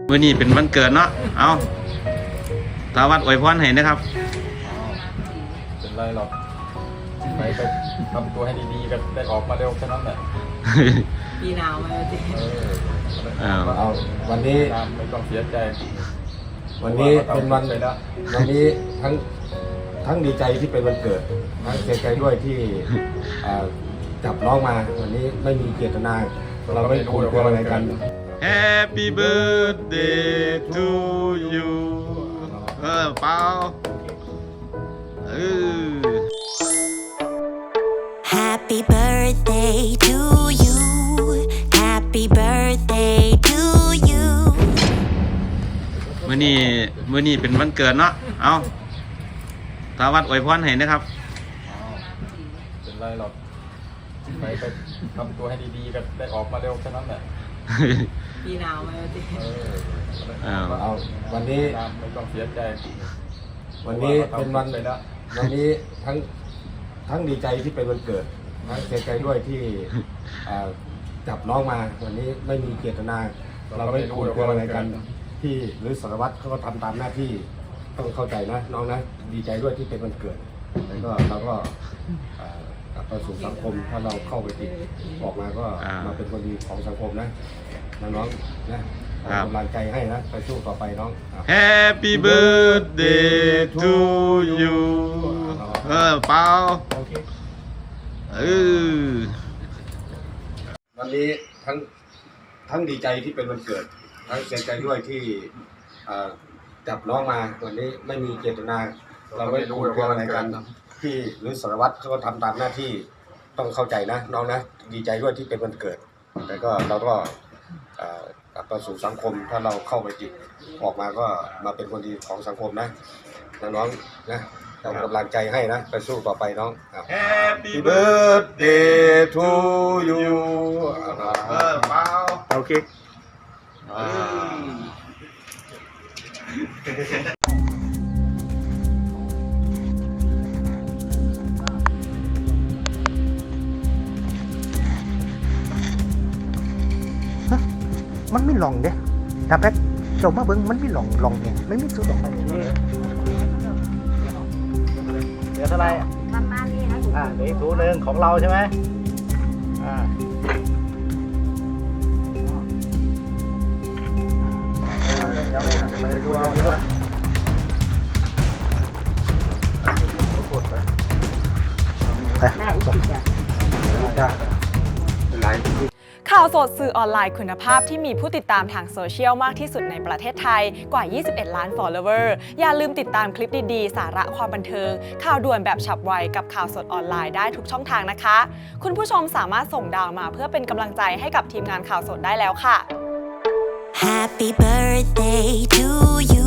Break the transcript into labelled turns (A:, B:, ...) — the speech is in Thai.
A: วันนี้เป็นวันเกิดเนาะเอาสาวัดอวยพรให้นะครับ
B: เป็นไรหรอกไปทำตัวให้ดีๆกันได้ออกมาเร็วแค่นั้นแหละ
C: ปีหนาวมาแล้วจิ
B: เอา
D: วันนี้
B: ไม่ต้องเสียใจ
D: วันนี้เป็นวันนี้ทั้งดีใจที่เป็นวันเกิดทั้งเสียใจด้วยที่จับน้องมาวันนี้ไม่มีเจตนาเราไม่คุยกันอะไรกัน
A: Happy birthday to you เปล่า
E: Happy birthday to you Happy birthday to you
A: มื้อนี้เป็นวันเกิดเนาะเอาสาวัดอวยพรให้นะครับ
B: เป็นไรหรอกไปทำตัวให้ดีๆกันได้ออกมาเร็วแค่นั้นแหละ
C: ปีหนาวมาแล้วจิ
D: เอาวันนี้
B: ไม่ต้องเสียใจ
D: วันนี้เป็นวันนี้ทั้งดีใจที่เป็นวันเกิดทั้งเสียใจด้วยที่จับน้องมาวันนี้ไม่มีเจตนาเราไม่คุยกันอะไรกันที่หรือสารวัตรเขาก็ทำตามหน้าที่ต้องเข้าใจนะน้องนะดีใจด้วยที่เป็นวันเกิดแล้วก็เราก็กลับไปสู่สังคมถ้าเราเข้าไปติดออกมาก็มาเป็นคนดีของสังคมนะน้องๆนะกำลังใจให้นะไปสู้ต่อไปน้อง
A: Happy birthday to you เปล่า
D: วันนี้ทั้งดีใจที่เป็นวันเกิดทั้งเสียใจด้วยที่จับน้องมาวันนี้ไม่มีเจตนาเราไม่คุยกันอะไรกันที่หรือสารวัตรเขาก็ทำตามหน้าที่ต้องเข้าใจนะน้องนะดีใจด้วยที่เป็นวันเกิดแต่ก็เราก็กลับมาสู่สังคมถ้าเราเข้าไปติดออกมาก็มาเป็นคนดีของสังคมนะน้องๆนะเรากำลังใจให้นะไปสู้ต่อไปน้อง
A: Happy birthday to you เปล่า
D: โอเค
F: มันไม่หลงเด้ถ้าแป๊กจบมาเบิ้งมันไม่หลงเนี่ยไม่มีสุดหลงเดี๋ยวเท่าไร
C: ประมาณนี้นะ
F: เดี๋ยวถุงนึงของเราใช่ไหม
G: ข่าวสดสื่อออนไลน์คุณภาพที่มีผู้ติดตามทางโซเชียลมากที่สุดในประเทศไทยกว่า 21 ล้าน follower อย่าลืมติดตามคลิปดีๆ สาระความบันเทิงข่าวด่วนแบบฉับไวกับข่าวสดออนไลน์ได้ทุกช่องทางนะคะ คุณผู้ชมสามารถส่งดาวมาเพื่อเป็นกำลังใจให้กับทีมงานข่าวสดได้แล้วค่ะ
E: Happy birthday to you